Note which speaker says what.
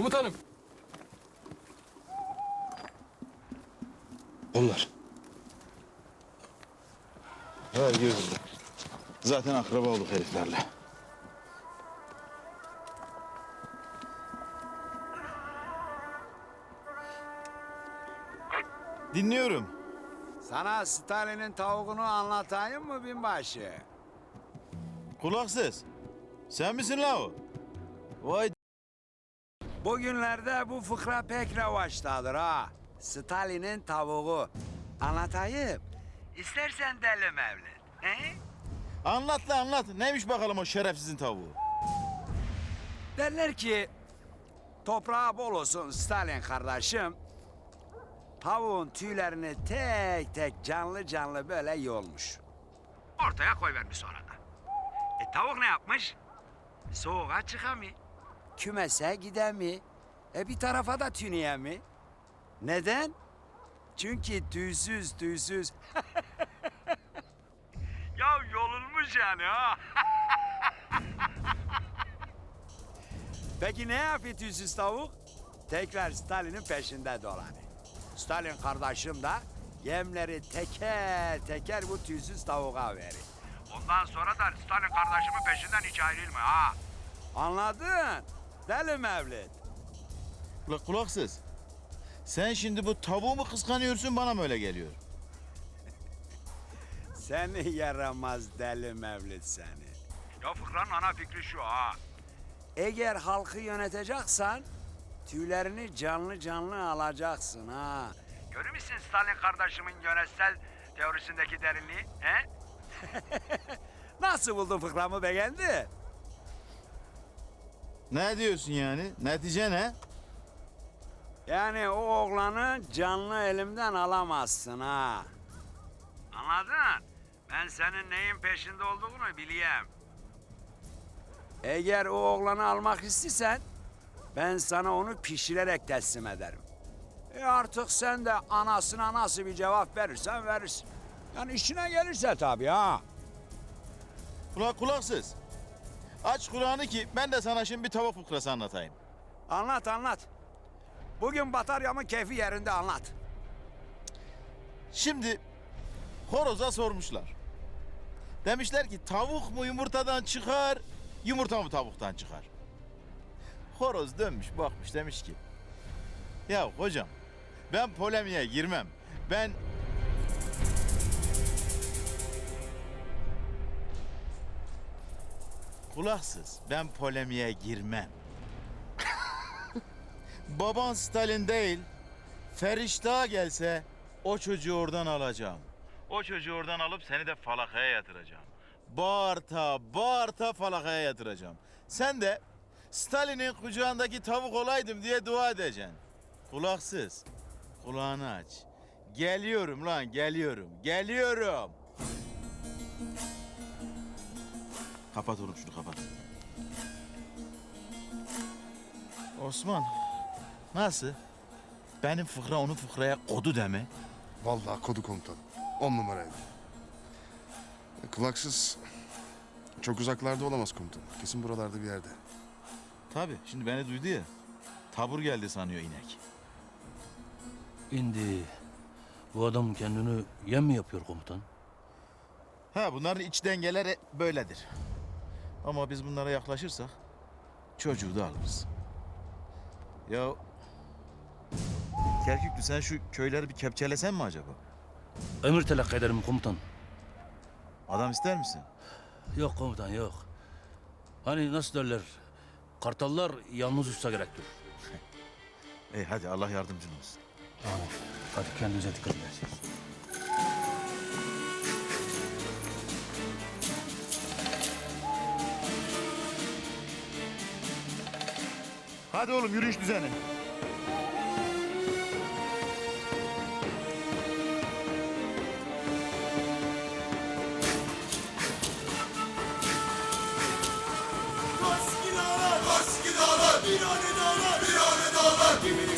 Speaker 1: Komutanım.
Speaker 2: Onlar. Ha girdim. Zaten akraba olduk heriflerle. Dinliyorum.
Speaker 3: Sana Stalin'in tavuğunu anlatayım mı binbaşı?
Speaker 2: Kulaksız. Sen misin la o? Vay
Speaker 3: Bugünlerde bu fıkra pek revaçtadır ha. Stalin'in tavuğu. Anlatayım. İstersen deli Mevlid. He?
Speaker 2: anlat la anlat. Neymiş bakalım o şerefsizin tavuğu?
Speaker 3: Derler ki toprağı bol olsun Stalin kardeşim. Tavuğun tüylerini tek tek canlı canlı böyle yolmuş. Ortaya koyvermiş sonra da. Tavuk ne yapmış? Soğuğa çıkamıyor. Kümese gidemiyor. Bir tarafa da tüneye. Neden? Çünkü tüysüz. Ya yolunmuş yani ha. Peki ne yapıyor tüysüz tavuk? Tekrar Stalin'in peşinde dolanıyor. Stalin kardeşim de yemleri teker teker bu tüysüz tavuğa verir. Ondan sonra da Stalin kardeşimin peşinden hiç ayrılma ha. Anladın? Deli Mevlid.
Speaker 2: La kulaksız. Sen şimdi bu tavuğu mu kıskanıyorsun bana mı öyle geliyor?
Speaker 3: Seni yaramaz deli Mevlid seni. Ya fıkranın ana fikri şu ha. Eğer halkı yöneteceksen tüylerini canlı canlı alacaksın ha. Görür müsün Stalin kardeşimin yönetsel teorisindeki derinliği? He? Nasıl buldun fıkramı beğendi?
Speaker 2: Ne diyorsun yani? Netice ne?
Speaker 3: Yani o oğlanı canlı elimden alamazsın ha. Anladın? Ben senin neyin peşinde olduğunu bileyim. Eğer o oğlanı almak istiyorsan ben sana onu pişirerek teslim ederim. Artık sen de anasına nasıl bir cevap verirsen verirsin. Yani işine gelirse tabii ha.
Speaker 2: Ula kulaksız. Aç kulağını ki ben de sana şimdi bir tavuk fıkrası anlatayım.
Speaker 3: Anlat. Bugün bataryamın keyfi yerinde anlat.
Speaker 2: Şimdi horoza sormuşlar. Demişler ki tavuk mu yumurtadan çıkar, yumurta mı tavuktan çıkar? Horoz dönmüş bakmış demiş ki ya hocam ben polemiğe girmem. Ben kulaksız ben polemiğe girmem. Baban Stalin değil, Feriştah gelse o çocuğu oradan alacağım. O çocuğu oradan alıp seni de falakaya yatıracağım. Bağırta falakaya yatıracağım. Sen de Stalin'in kucağındaki tavuk olaydım diye dua edeceksin. Kulaksız, kulağını aç. Geliyorum lan, geliyorum. Kapat oğlum şunu kapat. Osman, nasıl? Benim fıkra onun fıkraya kodu deme.
Speaker 4: Vallahi kodu komutan. 10 numaraydı. Kulaksız çok uzaklarda olamaz komutan. Kesin buralarda bir yerde.
Speaker 2: Tabii, şimdi beni duydu ya. Tabur geldi sanıyor inek.
Speaker 5: Şimdi bu adam kendini yem mi yapıyor komutan?
Speaker 2: Ha, bunların iç dengeleri böyledir. Ama biz bunlara yaklaşırsak çocuğu da alırız. Ya Kerküklü sen şu köyleri bir kepçelesen mi acaba?
Speaker 5: Emir telakki ederim komutan.
Speaker 2: Adam ister misin?
Speaker 5: Yok komutan yok. Hani nasıl derler? Kartallar yalnız uçsa gerektir.
Speaker 2: Hadi Allah yardımcın olsun.
Speaker 5: Hadi kendinize dikkat edin.
Speaker 2: Hadi oğlum yürüyüş düzeni.
Speaker 6: Virane dağlar, virane dağlar,